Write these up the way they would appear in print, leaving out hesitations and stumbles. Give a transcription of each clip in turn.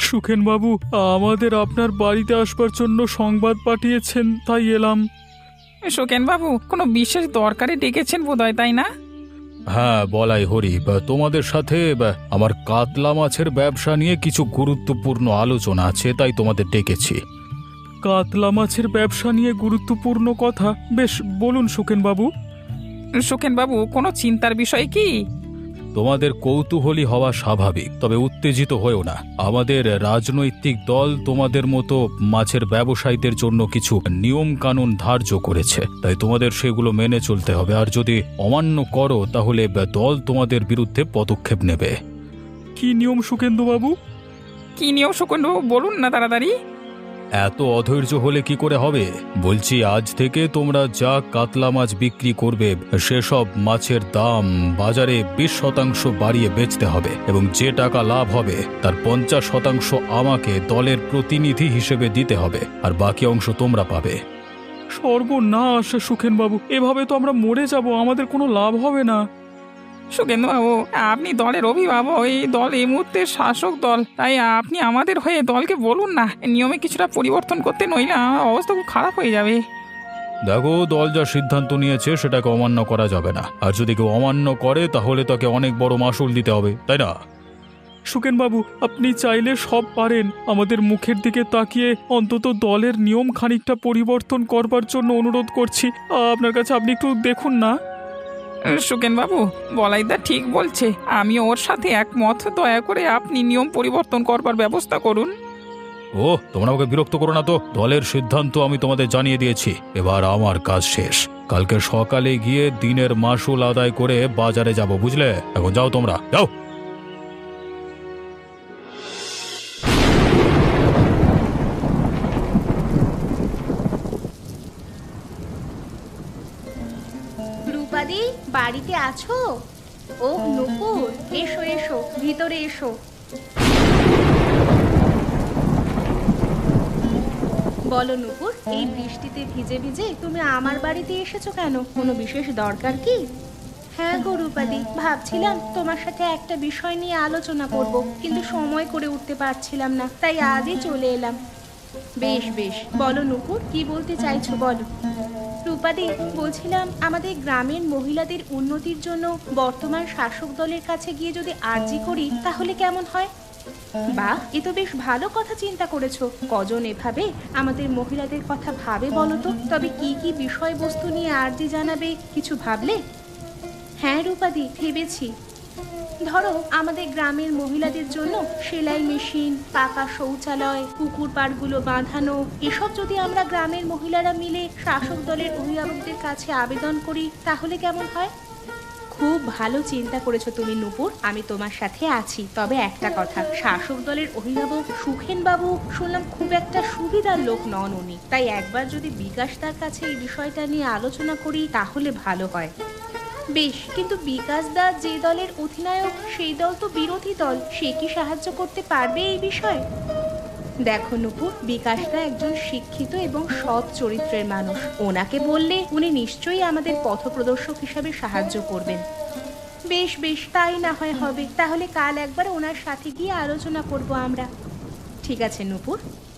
সুখেন বাবু আমাদের আপনার বাড়িতে আসবার জন্য সংবাদ পাঠিয়েছেন, তাই এলাম। সুখেন বাবু কোনো বিশেষ দরকারে ডেকেছেন বোধহয়, তাই না? হ্যাঁ বলাই হরি, তোমাদের সাথে আমার কাতলা মাছের ব্যবসা নিয়ে কিছু গুরুত্বপূর্ণ আলোচনা আছে, তাই তোমাদের ডেকেছি। কাতলা মাছের ব্যবসা নিয়ে গুরুত্বপূর্ণ কথা? বেশ, বলুন সুখেন বাবু। সুখেন বাবু কোনো চিন্তার বিষয় কি? তোমাদের কৌতূহলী হওয়া স্বাভাবিক, তবে উত্তেজিত হয়েও না। আমাদের রাজনৈতিক দল তোমাদের মতো মাছের ব্যবসায়ীদের জন্য কিছু নিয়ম কানুন ধার্য করেছে, তাই তোমাদের সেগুলো মেনে চলতে হবে। আর যদি অমান্য করো তাহলে দল তোমাদের বিরুদ্ধে পদক্ষেপ নেবে। কি নিয়ম সুকেন্দ্র বাবু? কি নিয়ম সুখেন বাবু, বলুন না তাড়াতাড়ি। এত অধৈর্য হলে কি করে হবে? বলছি, আজ থেকে তোমরা যা কাতলা মাছ বিক্রি করবে সেসব মাছের দাম বাজারে 20% বাড়িয়ে বেচতে হবে, এবং যে টাকা লাভ হবে তার 50% আমাকে দলের প্রতিনিধি হিসেবে দিতে হবে, আর বাকি অংশ তোমরা পাবে। সর্বনাশ সুখেন বাবু, এভাবে তো আমরা মরে যাব, আমাদের কোনো লাভ হবে না। সুখেন বাবু আপনি দলের অভিভাবক, এই দল এই মুহূর্তে শাসক দল, তাই আপনি আমাদের হয়ে দলকে বলুন না নিয়মে কিছুটা পরিবর্তন করতে, নইলে অবস্থা খুব খারাপ হয়ে যাবে। দেখো, দল যা সিদ্ধান্ত নিয়েছে সেটাকে অমান্য করা যাবে না, আর যদি কেউ অমান্য করে তাহলে তাকে অনেক বড় মাসুল দিতে হবে, তাই না? সুকেন বাবু, আপনি চাইলে সব পারেন। আমাদের মুখের দিকে তাকিয়ে অন্তত দলের নিয়ম খানিকটা পরিবর্তন করবার জন্য অনুরোধ করছি। আপনার কাছে, আপনি একটু দেখুন না। সুখেন বাবু বলাইদা ঠিক বলছে, আমি ওর সাথে একমত। দয়া করে আপনি নিয়ম পরিবর্তন করবার ব্যবস্থা করুন। ও, তোমরা আমাকে বিরক্ত করো না তো। দলের সিদ্ধান্ত আমি তোমাদের জানিয়ে দিয়েছি, এবার আমার কাজ শেষ। কালকে সকালে গিয়ে দিনের মাসুল আদায় করে বাজারে যাব, বুঝলে? এখন যাও, তোমরা যাও। রূপাদি, বাড়িতে আছো? ও নুপুর, এসো এসো, ভিতরে এসো। বলো নুপুর, এই বৃষ্টিতে ভিজে ভিজে তুমি আমার বাড়িতে এসেছো কেন? কোনো বিশেষ দরকার কি? হ্যাঁ গো রূপাদি, ভাবছিলাম তোমার সাথে একটা বিষয় নিয়ে আলোচনা করব, কিন্তু সময় করে উঠতে পারছিলাম না, তাই আজই চলে এলাম। বেশ বেশ, বলো নুপুর, কি বলতে চাইছো বলো। রূপাদি, বলছিলাম আমাদের গ্রামের মহিলাদের উন্নতির জন্য বর্তমান শাসক দলের কাছে গিয়ে যদি আর্জি করি তাহলে কেমন হয়? বাহ, এ তো বেশ ভালো কথা চিন্তা করেছো। কজন এভাবে আমাদের মহিলাদের কথা ভাবে বলো তো? তবে কি কি বিষয়বস্তু নিয়ে আর্জি জানাবে, কিছু ভাবলে? হ্যাঁ রূপাদি, ভেবেছি। ধরো, আমাদের গ্রামের মহিলাদের জন্য সেলাই মেশিন, পাকা শৌচালয়, পুকুর পাড়গুলো বাঁধানো, এসব যদি আমরা গ্রামের মহিলারা মিলে শাসক দলের অভিভাবকদের কাছে আবেদন করি তাহলে কেমন হয়? খুব ভালো চিন্তা করেছো তুমি নুপুর, আমি তোমার সাথে আছি। তবে একটা কথা, শাসক দলের অভিভাবক সুখেন বাবু শুনলাম খুব একটা সুবিধার লোক নন উনি, তাই একবার যদি বিকাশ তার কাছে এই বিষয়টা নিয়ে আলোচনা করি তাহলে ভালো হয়। বেশ, কিন্তু বিকাশ দা যে দলের অধিনায়ক সেই দল তো বিরোধী দল, সে কি সাহায্য করতে পারবে এই বিষয়ে? দেখো নুপুর, বিকাশদা একজন শিক্ষিত এবং সৎ চরিত্রের মানুষ, ওনাকে বললে উনি নিশ্চয়ই আমাদের পথপ্রদর্শক হিসাবে সাহায্য করবেন। বেশ বেশ, তাই না হয় হবে। তাহলে কাল একবার ওনার সাথে গিয়ে আলোচনা করব আমরা। ঠিক আছে নুপুর।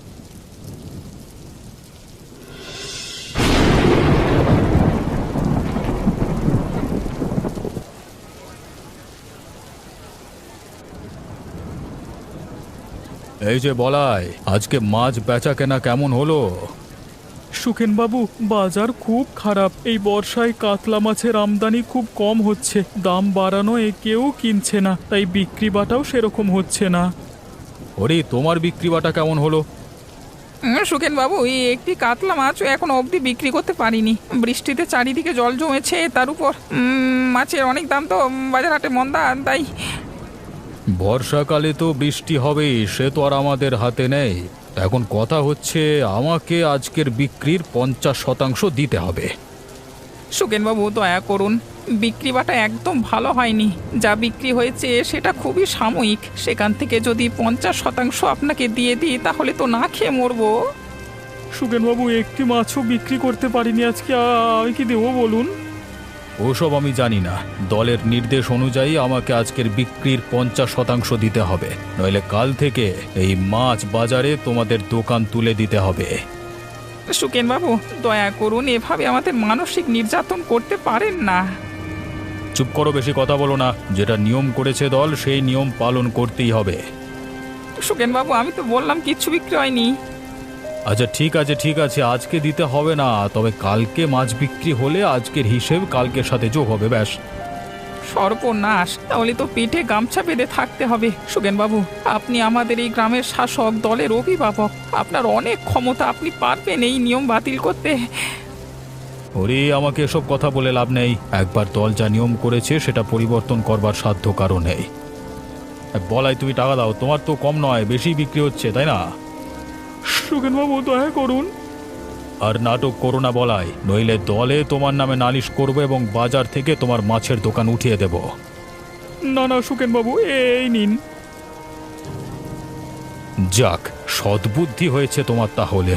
এই যে বলাই, আজকে মাছ বেচা কেনা কেমন হলো? সুখেন বাবু, বাজার খুব খারাপ। এই বর্ষায় কাতলা মাছের আমদানি খুব কম হচ্ছে, দাম বাড়ানো কেউ কিনছে না, তাই বিক্রি বাটাও সেরকম হচ্ছে না। ওরে, তোমার বিক্রি বাটা কেমন হলো? সুখেন বাবু, এই একটি কাতলা মাছও এখন অবধি বিক্রি করতে পারিনি। বৃষ্টিতে চারিদিকে জল জমেছে, তার উপর মাছের অনেক দাম, তো বাজার হাটে মন্দা, তাই। বর্ষাকালে তো বৃষ্টি হবেই, সে তো আর আমাদের হাতে নেই। এখন কথা হচ্ছে, আমাকে আজকের বিক্রির 50% দিতে হবে। সুখেন বাবু দয়া করুন, বিক্রি বাটা একদম ভালো হয়নি। যা বিক্রি হয়েছে সেটা খুবই সাময়িক, সেখান থেকে যদি 50% আপনাকে দিয়ে দিই তাহলে তো না খেয়ে মরবো। সুখেন বাবু, একটি মাছও বিক্রি করতে পারিনি আজকে, আমি কি দেবো বলুন? ওসব আমি জানি না। দলের নির্দেশ অনুযায়ী আমাকে আজকের বিক্রির 50% দিতে হবে, নইলে কাল থেকে এই মাছ বাজারে তোমাদের দোকান তুলে দিতে হবে। সুকেন বাবু, দয়া করুন, এভাবে আমাদের মানসিক নির্যাতন করতে পারেন না। চুপ করো, বেশি কথা বলো না। যেটা নিয়ম করেছে দল, সেই নিয়ম পালন করতেই হবে। সুকেন বাবু, আমি তো বললাম কিচ্ছু বিক্রি হয়নি। আচ্ছা ঠিক আছে ঠিক আছে, আজকে দিতে হবে না, তবে কালকে মাছ বিক্রি হলে আজকের হিসেব কালকের সাথে যোগ হবে, ব্যাস। সর্বনাশ, তাহলে তো পেটে গামছা বেঁধে থাকতে হবে। সুকেন বাবু, আপনি আমাদের এই গ্রামের শাসক, দলের অভিভাবক, আপনার অনেক ক্ষমতা, আপনি পারবেন এই নিয়ম বাতিল করতে। ওরে, আমাকে এসব কথা বলে লাভ নেই। একবার দল যা নিয়ম করেছে সেটা পরিবর্তন করবার সাধ্য কারো নেই। বলাই, তুমি টাকা দাও, তোমার তো কম নয়, বেশি বিক্রি হচ্ছে, তাই না? সুকেনবাবু, দয়া করুন। আর নাটক করো না বলাই, নইলে দলে তোমার নামে নালিশ করবো এবং বাজার থেকে তোমার মাছের দোকান উঠিয়ে দেব। না না সুকেনবাবু, এই নিন। যাক, সদ্বুদ্ধি হয়েছে তোমার তাহলে।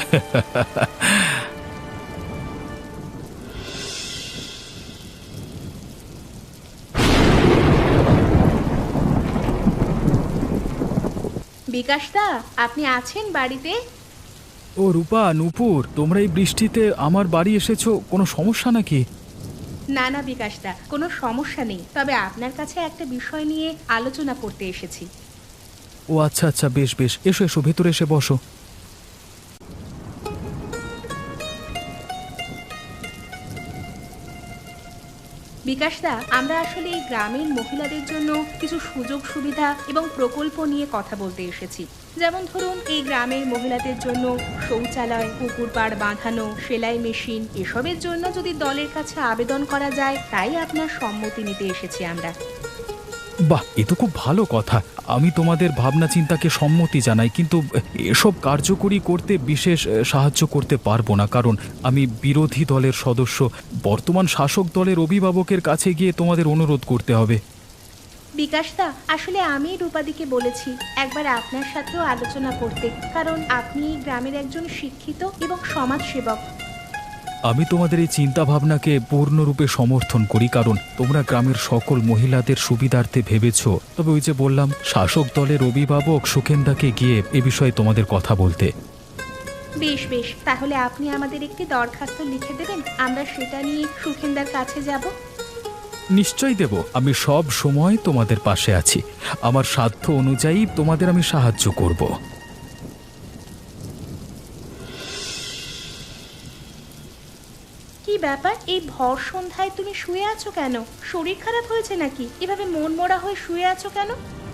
বিকাশদা, আপনি আছেন বাড়িতে? ও রূপা, নূপুর, তোমরা এই বৃষ্টিতে আমার বাড়ি এসেছো, কোনো সমস্যা নাকি? না না বিকাশদা, কোনো সমস্যা নেই, তবে আপনার কাছে একটা বিষয় নিয়ে আলোচনা করতে এসেছি। ও আচ্ছা আচ্ছা, বেশ বেশ, এসো এসো, ভেতরে এসে বসো। বিকাশদা, আমরা আসলে এই গ্রামের মহিলাদের জন্য কিছু সুযোগ সুবিধা এবং প্রকল্প নিয়ে কথা বলতে এসেছি। যেমন ধরুন, এই গ্রামের মহিলাদের জন্য শৌচালয়, পুকুর পাড় বাঁধানো, সেলাই মেশিন, এসবের জন্য যদি দলের কাছে আবেদন করা যায়, তাই আপনার সম্মতি নিতে এসেছি আমরা। বাহ, এ তো খুব ভালো কথা। আমি তোমাদের ভাবনা চিন্তাকে সম্মতি জানাই, কিন্তু এসব কার্যকরী করতে বিশেষ সাহায্য করতে পারবো না, কারণ আমি বিরোধী দলের সদস্য। বর্তমান শাসক দলের অভিভাবকের কাছে গিয়ে তোমাদের অনুরোধ করতে হবে। বিকাশদা, আসলে আমি রূপাদিকে বলেছি একবার আপনার সাথেও আলোচনা করতে, কারণ আপনি এই গ্রামের একজন শিক্ষিত এবং সমাজসেবক। আমি তোমাদের এই চিন্তা ভাবনাকে পূর্ণরূপে সমর্থন করি, কারণ তোমরা গ্রামের সকল মহিলাদের সুবিধার্থে ভেবেছ। তবে ওই যে বললাম, শাসক দলের অভিভাবক সুখেন্দাকে গিয়ে এ বিষয়ে তোমাদের কথা বলতে। বেশ বেশ, তাহলে আপনি আমাদের একটি দরখাস্ত লিখে দেবেন, আমরা সেটা নিয়ে সুখেন্দার কাছে যাব। নিশ্চয়ই দেব, আমি সব সময় তোমাদের পাশে আছি। আমার সাধ্য অনুযায়ী তোমাদের আমি সাহায্য করব। কি ব্যাপার, এই ভর সন্ধ্যায় তুমি শুয়ে আছো কেন? শরীর খারাপ হয়েছে নাকি? এভাবে মন মরা হয়ে শুয়ে আছো কেন?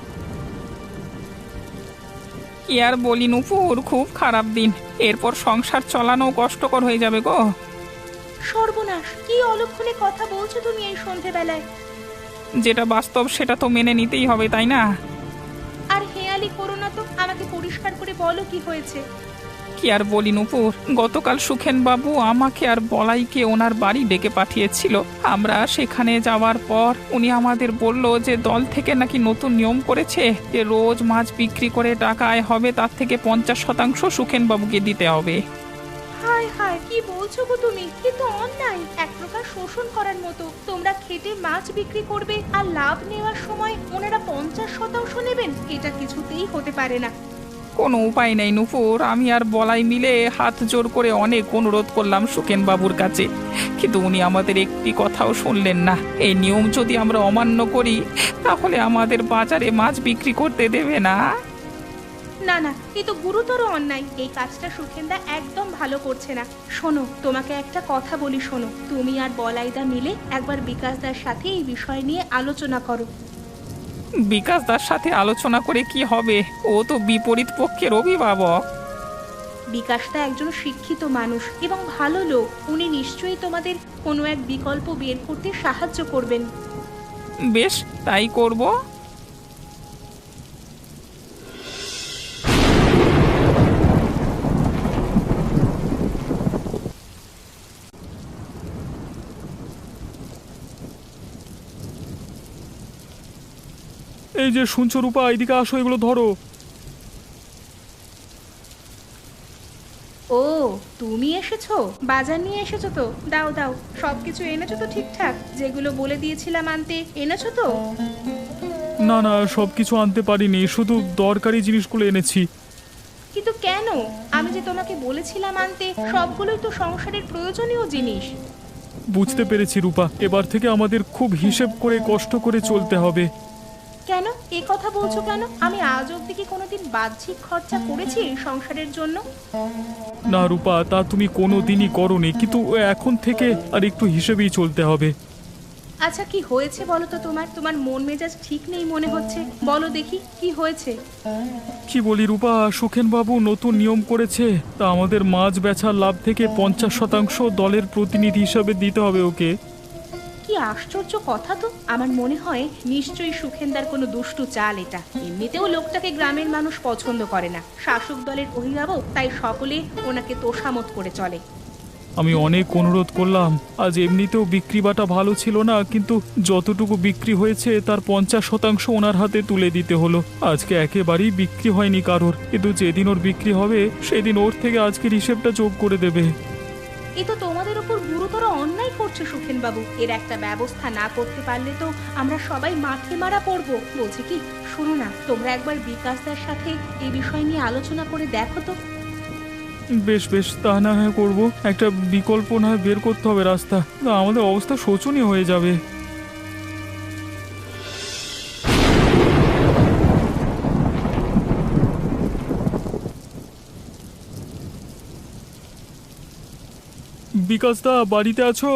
কি আর বলি নুপুর, খুব খারাপ দিন। এরপর সংসার চালানো কষ্টকর হয়ে যাবে গো। সর্বনাশ, কি অলক্ষণে কথা বলছো তুমি এই সন্ধেবেলায়? যেটা বাস্তব সেটা তো মেনে নিতেই হবে, তাই না? আর হেয়ালি করো না তো, আমাকে পরিষ্কার করে বলো কি হয়েছে। কি আর বলি নুপুর, গতকাল সুখেন বাবু আমাকে আর বলাইকে ওনার বাড়ি ডেকে পাঠিয়েছিল। আমরা সেখানে যাওয়ার পর উনি আমাদের বলল যে দল থেকে নাকি নতুন নিয়ম করেছে যে রোজ মাছ বিক্রি করে টাকা আয় হবে, তার থেকে 50% সুখেন বাবুকে দিতে হবে। হায় হায়, কি বলছো গো তুমি? কিন্তু অন্যায়, এক প্রকার শোষণ করার মতো। তোমরা খেটে মাছ বিক্রি করবে আর লাভ নেওয়ার সময় ওনারা 50% নেবেন? এটা কিছুতেই হতে পারে না। কোনো উপায় নেই নুপুর, আমি আর বলাই মিলে হাত জোর করে অনেক অনুরোধ করলাম সুখেন বাবুর কাছে, কিন্তু উনি আমাদের একটি কথাও শুনলেন না। এই নিয়ম যদি আমরা অমান্য করি তাহলে আমাদের বাজারে মাছ বিক্রি করতে দেবে না। না না, এ তো গুরুতর অন্যায়। এই কাজটা সুখেন্দা একদম ভালো করছে না। শোনো, তোমাকে একটা কথা বলি, শোনো। তুমি আর বলাইদা মিলে একবার বিকাশদার সাথে এই বিষয় নিয়ে আলোচনা করো। বিকাশ দার সাথে আলোচনা করে কি হবে? ও তো বিপরীত পক্ষের অভিভাবক। বিকাশদা একজন শিক্ষিত মানুষ এবং ভালো লোক। উনি নিশ্চয়ই তোমাদের কোনো এক বিকল্প বের করতে সাহায্য করবেন। বেশ, তাই করব। এই যে শুনছো রূপা, এদিকে আসো, এগুলো ধরো। ও, তুমি এসেছো? বাজার নিয়ে এসেছো তো? দাও দাও, সবকিছু এনেছো তো ঠিকঠাক? যেগুলো বলে দিয়েছিলাম আনতে এনেছো তো? না না, সব কিছু আনতে পারিনি, শুধু দরকারি জিনিসগুলো এনেছি। কিন্তু কেন? আমি যে তোমাকে বলেছিলাম আনতে, সবগুলোই তো সংসারের প্রয়োজনীয় জিনিস। বুঝতে পেরেছি রূপা, এবার থেকে আমাদের খুব হিসেব করে কষ্ট করে চলতে হবে। কেন এ কথা বলছো কেন? আমি আজ অব্দি কি কোনোদিন বাহ্যিক খরচা করেছি এই সংসারের জন্য? না রূপা, তা তুমি কোনো দিনই করনি, কিন্তু এখন থেকে আর একটু হিসেবেই চলতে হবে। আচ্ছা, কি হয়েছে বলো তো? তোমার তোমার মন মেজাজ ঠিক নেই মনে হচ্ছে। বলো দেখি কি হয়েছে। কি বলি রূপা, সুখেন বাবু নতুন নিয়ম করেছে, তা আমাদের মাছ বেচার লাভ থেকে 50% দলের প্রতিনিধি হিসাবে দিতে হবে ওকে। কি আশ্চর্য কথা তো! আমার মনে হয় নিশ্চয়ই সুখেনদার কোনো দুষ্টু চাল এটা। এমনিতেও লোকটাকে গ্রামের মানুষ পছন্দ করে না, শাসক দলের অভিভাবক, তাই সকলে ওনাকে তোষামত করে চলে। আমি অনেক অনুরোধ করলাম, আজ এমনিতেও বিক্রি বাটা ভালো ছিল না, কিন্তু যতটুকু বিক্রি হয়েছে তার 50% ওনার হাতে তুলে দিতে হলো। আজকে একেবারেই বিক্রি হয়নি কারোর, কিন্তু যেদিন ওর বিক্রি হবে সেদিন ওর থেকে আজকের হিসেবটা যোগ করে দেবে। এ তো তোমাদের উপর গুরুতর অন্যায় করছে সুখেন বাবু। এর একটা ব্যবস্থা না করতে পারলে তো আমরা সবাই মাঠে মারা পড়বো। বলছি কি, শোনো না, তোমরা একবার বিকাশদার সাথে এই বিষয় নিয়ে আলোচনা করে দেখো তো। বেশ বেশ, তা না হয় করবো। একটা বিকল্প না হয় বের করতে হবে রাস্তা, না আমাদের অবস্থা শোচনীয় হয়ে যাবে। বিকাশদা, বাড়িতে আছো?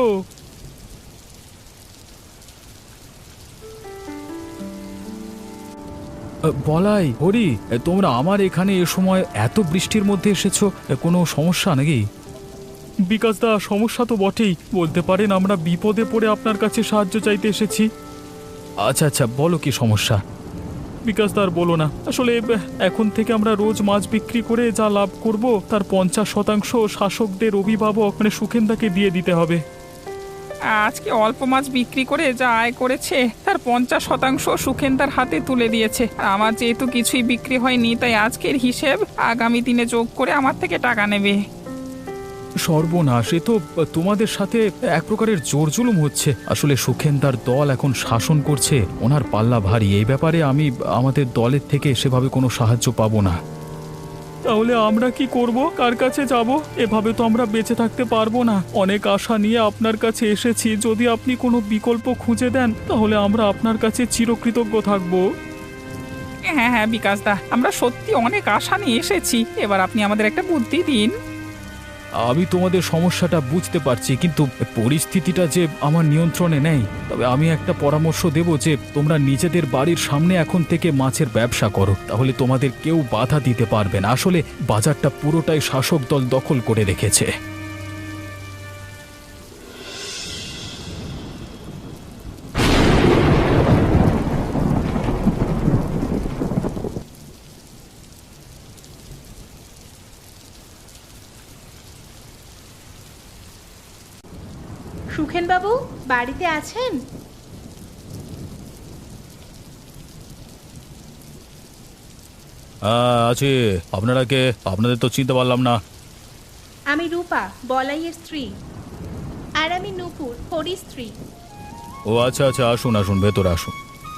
বলাই হরি, তোমরা আমার এখানে এ সময় এত বৃষ্টির মধ্যে এসেছো, কোনো সমস্যা নাকি? বিকাশদা, সমস্যা তো বটেই, বলতে পারেন আমরা বিপদে পড়ে আপনার কাছে সাহায্য চাইতে এসেছি। আচ্ছা আচ্ছা, বলো কি সমস্যা? বিকাশদা, আর বলো না, আসলে এখন থেকে আমরা রোজ মাছ বিক্রি করে যা লাভ করব তার 50% শাসকদের অভিভাবক মানে সুখেনদাকে দিয়ে দিতে হবে। আজকে অল্প মাছ বিক্রি করে যা আয় করেছে তার 50% সুখেনদার হাতে তুলে দিয়েছে। আর আমার যেহেতু কিছুই বিক্রি হয়নি, তাই আজকের হিসেব আগামী দিনে যোগ করে আমার থেকে টাকা নেবে। সর্বনাশ, এ তো তোমাদের সাথে এক প্রকারের জোর জুলুম হচ্ছে। আসলে সুখেনদার দল এখন শাসন করছে, ওনার পাল্লা ভারী। এই ব্যাপারে আমি আমাদের দলের থেকে সেভাবে কোনো সাহায্য পাবো না। তাহলে আমরা কি করব? কার কাছে যাব? এভাবে তো আমরা বেঁচে থাকতে পারবো না। অনেক আশা নিয়ে আপনার কাছে এসেছি, যদি আপনি কোনো বিকল্প খুঁজে দেন তাহলে আমরা আপনার কাছে চিরকৃতজ্ঞ থাকব। হ্যাঁ হ্যাঁ বিকাশদা, আমরা সত্যি অনেক আশা নিয়ে এসেছি, এবার আপনি আমাদের একটা বুদ্ধি দিন। আমি তোমাদের সমস্যাটা বুঝতে পারছি, কিন্তু পরিস্থিতিটা যে আমার নিয়ন্ত্রণে নেই। তবে আমি একটা পরামর্শ দেব যে তোমরা নিজেদের বাড়ির সামনে এখন থেকে মাছের ব্যবসা করো, তাহলে তোমাদের কেউ বাধা দিতে পারবে না। আসলে বাজারটা পুরোটাই শাসক দল দখল করে রেখেছে। সুখেন বাবু বাড়িতে আছেন? আছে। আপনারা কে? আপনাদের তো চিনতে পারলাম না। আমি রূপা, বলাইয়ের স্ত্রী। আর আমি নূপুর, হরির স্ত্রী। ও আচ্ছা আচ্ছা, আসুন আসুন, ভেতরে আসুন।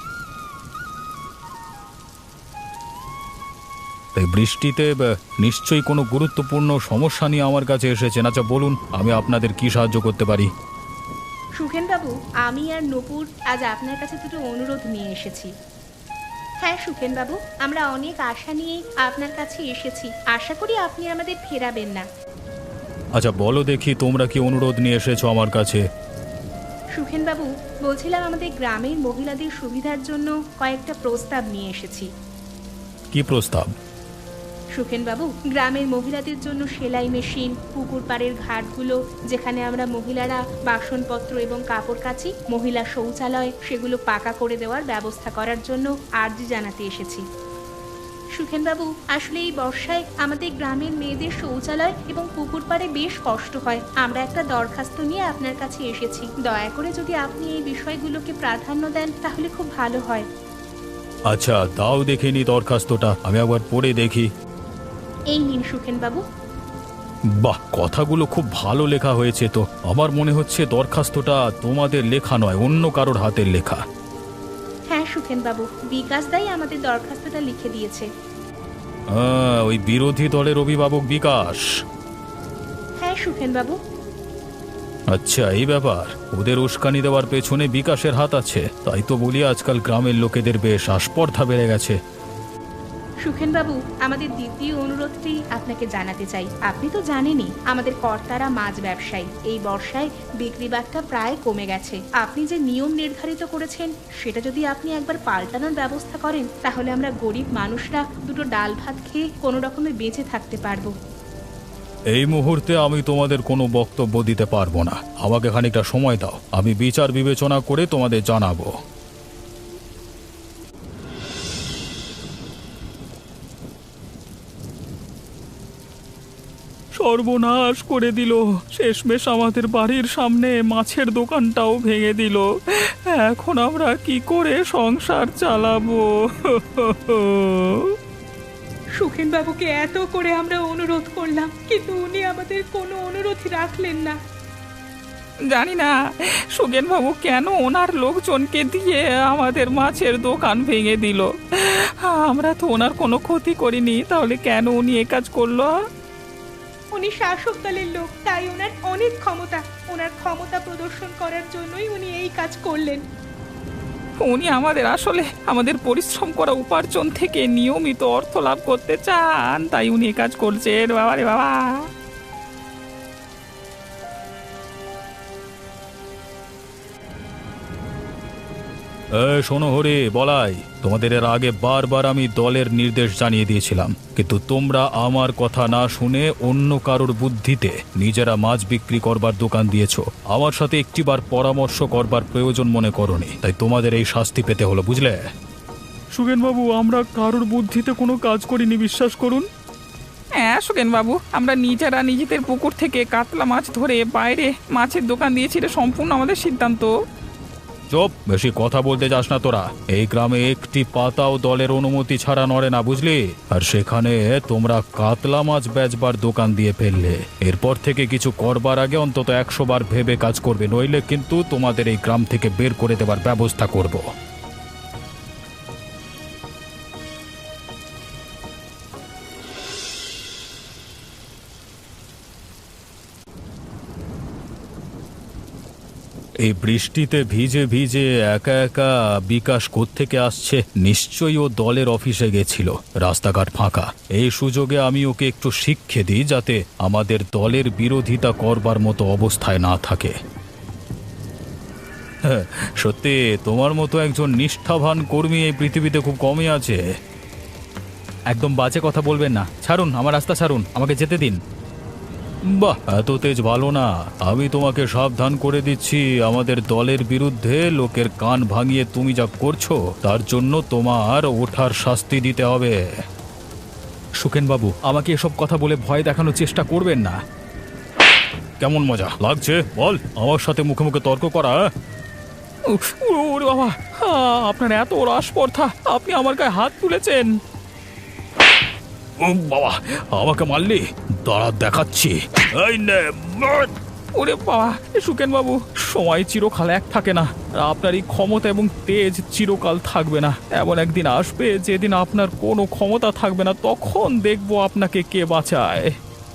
এই বৃষ্টিতে নিশ্চয়ই কোনো গুরুত্বপূর্ণ সমস্যা নিয়ে আমার কাছে এসেছেন। আচ্ছা বলুন, আমি আপনাদের কি সাহায্য করতে পারি? সুখেন বাবু, আমি আর নূপুর আজ আপনার কাছে দুটো অনুরোধ নিয়ে এসেছি। হ্যাঁ সুখেন বাবু, আমরা অনেক আশা নিয়ে আপনার কাছে এসেছি। আশা করি আপনি আমাদের ফেরাবেন না। আচ্ছা বলো দেখি, তোমরা কি অনুরোধ নিয়ে এসেছো আমার কাছে? সুখেন বাবু, বলছিলাম আমাদের গ্রামের মহিলাদের সুবিধার জন্য কয়েকটা প্রস্তাব নিয়ে এসেছি। কি প্রস্তাব? সুখেন বাবু, গ্রামের মহিলাদের জন্য সেলাই মেশিন, পুকুর পাড়ের ঘাটগুলো যেখানে আমরা মহিলারা বাসনপত্র এবং কাপড় কাচি, মহিলা শৌচালয়, সেগুলো পাকা করে দেওয়ার ব্যবস্থা করার জন্য আর্জি জানাতে এসেছি। সুখেন বাবু, আসলে এই বর্ষায় আমাদের গ্রামের মেয়েদের শৌচালয় এবং পুকুর পাড়ে বেশ কষ্ট হয়। আমরা একটা দরখাস্ত নিয়ে আপনার কাছে এসেছি। দয়া করে যদি আপনি এই বিষয়গুলোকে প্রাধান্য দেন তাহলে খুব ভালো হয়। আচ্ছা দাও দেখে নি দরখাস্তটা, আমি একবার পড়ে দেখি। এই নিন সুখেন বাবু। বাহ, কথাগুলো খুব ভালো লেখা হয়েছে তো। আমার মনে হচ্ছে দরখাস্তটা তোমাদের লেখা নয়, অন্য কারোর হাতের লেখা। হ্যাঁ সুখেন বাবু, বিকাশ দাই আমাদের দরখাস্তটা লিখে দিয়েছে। ওই বিরোধী দলের অভিভাবক বিকাশ। হ্যাঁ সুখেন বাবু। আচ্ছা, এই ব্যাপার। ওদের উস্কানি দেওয়ার পেছনে বিকাশের হাত আছে, তাই তো বলি আজকাল গ্রামের লোকেদের বেশ আস্পর্ধা বেড়ে গেছে। সুখেন বাবু, আমাদের দ্বিতীয় অনুরোধটি আপনাকে জানাতে চাই। আপনি তো জানেনই আমাদের কর্তারা মাছ ব্যবসায়ী। এই বর্ষায় বিক্রি বাট্টা প্রায় কমে গেছে। আপনি যে নিয়ম নির্ধারিত করেছেন সেটা যদি আপনি একবার পাল্টানোর ব্যবস্থা করেন, তাহলে আমরা গরিব মানুষরা দুটো ডাল ভাত খেয়ে কোনো রকমে বেঁচে থাকতে পারবো। এই মুহূর্তে আমি তোমাদের কোনো বক্তব্য দিতে পারবো না। আমাকে খানিকটা সময় দাও, আমি বিচার বিবেচনা করে তোমাদের জানাবো। সর্বনাশ করে দিল, শেষমেশ আমাদের বাড়ির সামনে মাছের দোকানটাও ভেঙে দিল। এখন আমরা কি করে সংসার চালাবো? সুখেন বাবুকে এত করে আমরা অনুরোধ করলাম, কিন্তু উনি আমাদের কোনো অনুরোধই রাখলেন না। জানি না সুগেন বাবু কেন ওনার লোকজনকে দিয়ে আমাদের মাছের দোকান ভেঙে দিল। আমরা তো ওনার কোনো ক্ষতি করিনি, তাহলে কেন উনি এ কাজ করলো? উনি শাসক দলের লোক, তাই ওনার অনেক ক্ষমতা। ওনার ক্ষমতা প্রদর্শন করার জন্যই উনি এই কাজ করলেন। উনি আমাদের পরিশ্রম করা উপার্জন থেকে নিয়মিত অর্থ লাভ করতে চান, তাই উনি এ কাজ করছেন। বাবা রে বাবা! শোনো হরি, বলাই, তোমাদের এর আগে বারবার আমি দলের নির্দেশ জানিয়ে দিয়েছিলাম, কিন্তু তোমরা আমার কথা না শুনে অন্য কারোর বুদ্ধিতে নিজেরা মাছ বিক্রি করবার দোকান দিয়েছো। আমার সাথে একটিবার পরামর্শ করবার প্রয়োজন মনে করনি, তাই তোমাদের এই শাস্তি পেতে হলো, বুঝলে? সুগেনবাবু, আমরা কারোর বুদ্ধিতে কোনো কাজ করিনি, বিশ্বাস করুন। হ্যাঁ সুগেন বাবু, আমরা নিজেরা নিজেদের পুকুর থেকে কাতলা মাছ ধরে বাইরে মাছের দোকান দিয়েছি, এটা সম্পূর্ণ আমাদের সিদ্ধান্ত। চুপ, বেশি কথা বলতে যাস না তোরা। এই গ্রামে একটি পাতাও দলের অনুমতি ছাড়া নড়ে না, বুঝলি? আর সেখানে তোমরা কাতলা মাছ বেচবার দোকান দিয়ে ফেললে। এরপর থেকে কিছু করবার আগে অন্তত 100 বার ভেবে কাজ করবে, নইলে কিন্তু তোমাদের এই গ্রাম থেকে বের করে দেবার ব্যবস্থা করব। এই বৃষ্টিতে ভিজে ভিজে একা একা বিকাশ কোত্থেকে আসছে? নিশ্চয়ই ও দলের অফিসে গেছিল, রাস্তাঘাট ফাঁকা। এই সুযোগে আমি ওকে একটু শিক্ষা দিই, যাতে আমাদের দলের বিরোধিতা করবার মতো অবস্থায় না থাকে। হ্যাঁ, সত্যি তোমার মতো একজন নিষ্ঠাবান কর্মী এই পৃথিবীতে খুব কমই আছে। একদম বাজে কথা বলবেন না, ছাড়ুন আমার রাস্তা, ছাড়ুন, আমাকে যেতে দিন। বাহ, এত তেজ ভালো না। আমি তোমাকে সাবধান করে দিচ্ছি, আমাদের দলের বিরুদ্ধে লোকের কান ভাঙিয়ে তুমি যা করছো তার জন্য তোমার ওঠার শাস্তি দিতে হবে। সুখেনবাবু, আমাকে এসব কথা বলে ভয় দেখানোর চেষ্টা করবেন না। কেমন মজা লাগছে বল, আমার সাথে মুখে মুখে তর্ক করা? ওরে বাবা, আপনার এত রাসপর্ধা, আপনি আমার গায়ে হাত তুলেছেন। ও বাবা, আমাকে মারলি? দাঁড়া, দেখাচ্ছি। এই নে, মার। ওরে বাবা, সুকেন বাবু, সময় চিরকাল এক থাকে না। আপনার এই ক্ষমতা এবং তেজ চিরকাল থাকবে না। এমন একদিন আসবে যেদিন আপনার কোনো ক্ষমতা থাকবে না, তখন দেখবো আপনাকে কে বাঁচায়।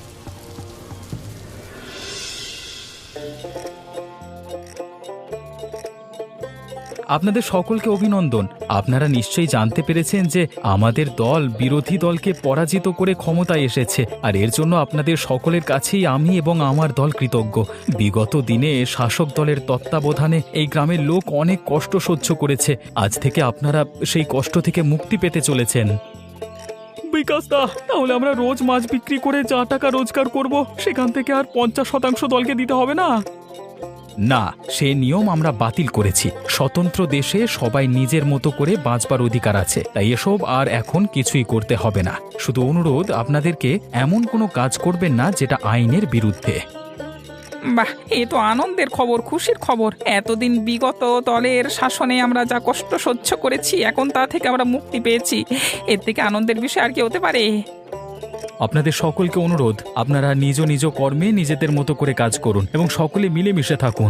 আপনাদের সকলকে অভিনন্দন। আপনারা নিশ্চয়ই জানতে পেরেছেন যে আমাদের দল বিরোধী দলকে পরাজিত করে ক্ষমতায় এসেছে, আর এর জন্য আপনাদের সকলের কাছেই আমি এবং আমার দল কৃতজ্ঞ। বিগত দিনে শাসক দলের তত্ত্বাবধানে এই গ্রামের লোক অনেক কষ্ট সহ্য করেছে। আজ থেকে আপনারা সেই কষ্ট থেকে মুক্তি পেতে চলেছেন। বিকাশ দা, তাহলে আমরা রোজ মাছ বিক্রি করে যা টাকা রোজগার করব, সেখান থেকে আর 50% দলকে দিতে হবে না? না, সে নিয়ম আমরা বাতিল করেছি। স্বতন্ত্র দেশে সবাই নিজের মতো করে বাঁচবার অধিকার আছে, তাই এসব আর এখন কিছুই করতে হবে না। শুধু অনুরোধ, আপনাদেরকে এমন কোনো কাজ করবেন না যেটা আইনের বিরুদ্ধে। বাহ, এ তো আনন্দের খবর, খুশির খবর। এতদিন বিগত দলের শাসনে আমরা যা কষ্ট সহ্য করেছি, এখন তা থেকে আমরা মুক্তি পেয়েছি। এর থেকে আনন্দের বিষয় আর কি হতে পারে? আপনাদের সকলকে অনুরোধ, আপনারা নিজ নিজ কর্মে নিজেদের মতো করে কাজ করুন এবং সকলে মিলেমিশে থাকুন।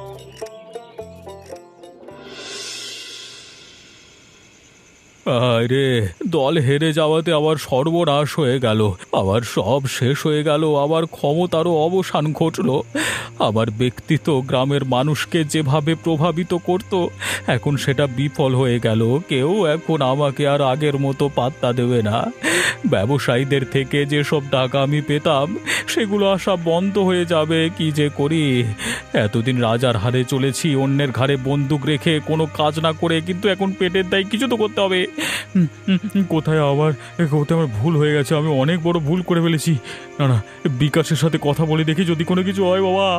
আরে, দল হেরে যাওয়াতে আবার সর্বনাশ হয়ে গেল, আবার সব শেষ হয়ে গেল, আবার ক্ষমতারও অবসান ঘটল। আমার ব্যক্তিত্ব গ্রামের মানুষকে যেভাবে প্রভাবিত করত, এখন সেটা বিফল হয়ে গেল। কেউ এখন আমাকে আর আগের মতো পাত্তা দেবে না। ব্যবসায়ীদের থেকে যেসব টাকা আমি পেতাম সেগুলো আসা বন্ধ হয়ে যাবে। কি যে করি! এতদিন রাজার হারে চলেছি, অন্যের ঘাড়ে বন্দুক রেখে, কোনো কাজ না করে, কিন্তু এখন পেটের দায় কিছু তো করতে হবে। কোথায় আমার ভুল হয়ে গেছে, আমি অনেক বড় ভুল করে ফেলেছি। না না, বিকাশের সাথে কথা বলে দেখি যদি কোনো কিছু হয়। বাবা,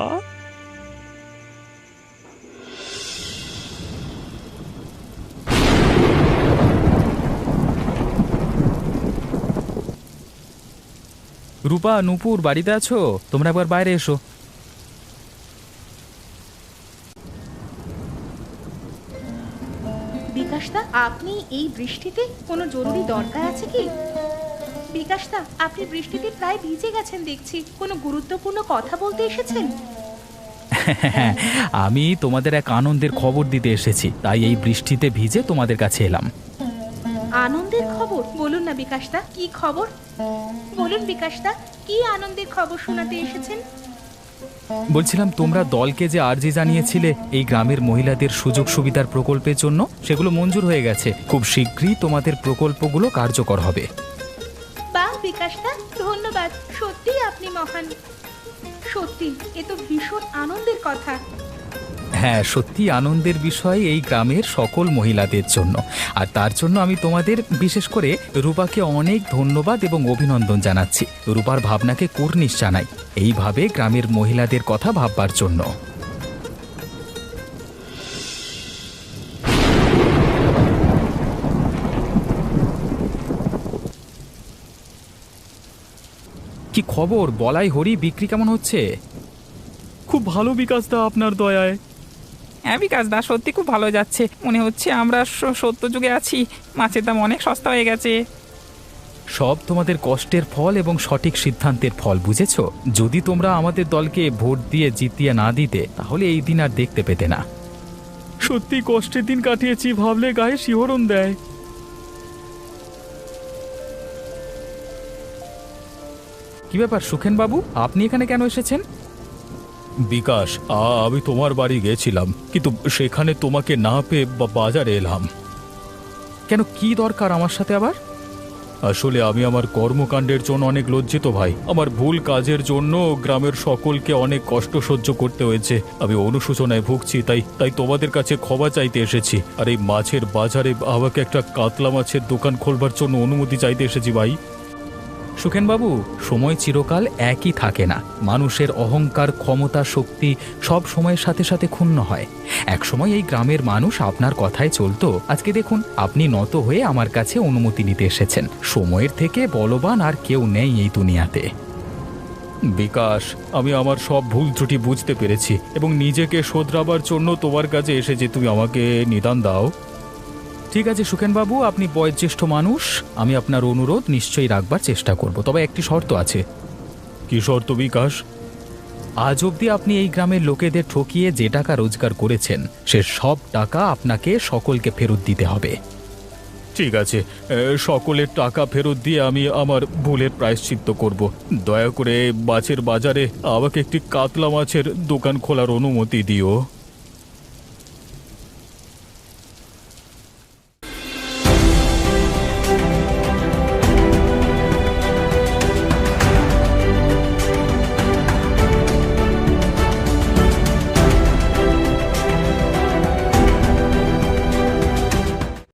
রূপা, নূপুর বাড়িতে আছো? তোমরা একবার বাইরে এসো। বিকাশদা, আপনি এই বৃষ্টিতে কোনো জরুরি দরকার আছে কি? বিকাশদা, আপনি বৃষ্টিতে প্রায় ভিজে গেছেন দেখছি, কোনো গুরুত্বপূর্ণ কথা বলতে এসেছেন? আমি তোমাদের এক আনন্দের খবর দিতে এসেছি, তাই এই বৃষ্টিতে ভিজে তোমাদের কাছে এলাম। আনন্দের খবর? বলুন না বিকাশদা, কি খবর বলুন বিকাশদা, কি আনন্দের খবর শোনাতে এসেছেন? বলছিলাম, তোমরা দলকে যে আর্জি জানিয়েছিলে এই গ্রামের মহিলাদের সুযোগ সুবিধার প্রকল্পের জন্য, সেগুলো মঞ্জুর হয়ে গেছে। খুব শীঘ্রই তোমাদের প্রকল্পগুলো কার্যকর হবে। বাহ বিকাশদা, ধন্যবাদ। সত্যি আপনি মহান। সত্যি এ তো ভীষণ আনন্দের কথা। হ্যাঁ, সত্যি আনন্দের বিষয় এই গ্রামের সকল মহিলাদের জন্য। আর তার জন্য আমি তোমাদের, বিশেষ করে রূপাকে অনেক ধন্যবাদ এবং অভিনন্দন জানাচ্ছি। রূপার ভাবনাকে কুর্নিশ জানাই, এইভাবে গ্রামের মহিলাদের কথা ভাববার জন্য। কি খবর বলাই হরি, বিক্রি কেমন হচ্ছে? খুব ভালো বিকাশদা, আপনার দয়ায়। হ্যাঁ বিকাশদা, সত্যি খুব ভালো যাচ্ছে। মনে হচ্ছে আমরা সত্য যুগে আছি। মাছের দাম অনেক সস্তা হয়ে গেছে। সব তোমাদের কষ্টের ফল এবং সঠিক সিদ্ধান্তের ফল, বুঝেছো? যদি তোমরা আমাদের দলকে ভোট দিয়ে জিতিয়ে না দিতে, তাহলে এই দিন আর দেখতে পেতে না। সত্যি কষ্টের দিন কাটিয়েছি, ভাবলে গায়ে শিহরণ দেয়। কি ব্যাপার সুখেন বাবু, আপনি এখানে কেন এসেছেন? বিকাশ, আমি তোমার বাড়ি গেছিলাম, কিন্তু সেখানে তোমাকে না পেয়ে বাজারে এলাম। কেন, কি দরকার আমার সাথে আবার? আসলে আমি আমার কর্মকাণ্ডের জন্য অনেক লজ্জিত ভাই। আমার ভুল কাজের জন্য গ্রামের সকলকে অনেক কষ্ট সহ্য করতে হয়েছে। আমি অনুশোচনায় ভুগছি, তাই তোমাদের কাছে ক্ষমা চাইতে এসেছি। আর এই মাছের বাজারে আমাকে একটা কাতলা মাছের দোকান খোলবার জন্য অনুমতি চাইতে এসেছি ভাই। সুখেনবাবু, সময় চিরকাল একই থাকে না। মানুষের অহংকার, ক্ষমতা, শক্তি সব সময়ের সাথে সাথে ক্ষুণ্ণ হয়। একসময় এই গ্রামের মানুষ আপনার কথায় চলতো। আজকে দেখুন, আপনি নত হয়ে আমার কাছে অনুমতি নিতে এসেছেন। সময়ের থেকে বলবান আর কেউ নেই এই দুনিয়াতে। বিকাশ, আমি আমার সব ভুল ত্রুটি বুঝতে পেরেছি এবং নিজেকে শোধরাবার জন্য তোমার কাছে এসেছি। তুমি আমাকে নিদান দাও। ঠিক আছে সুখেনবাবু, আপনি বয়োজ্যেষ্ঠ মানুষ, আমি আপনার অনুরোধ নিশ্চয়ই রাখবার চেষ্টা করব। তবে একটি শর্ত আছে। কি শর্ত বিকাশ? আজ অবধি আপনি এই গ্রামের লোকেদের ঠকিয়ে যে টাকা রোজগার করেছেন, সে সব টাকা আপনাকে সকলকে ফেরত দিতে হবে। ঠিক আছে, সকলের টাকা ফেরত দিয়ে আমি আমার ভুলের প্রায়শ্চিত্ত করব। দয়া করে মাছের বাজারে আমাকে একটি কাতলা মাছের দোকান খোলার অনুমতি দিও।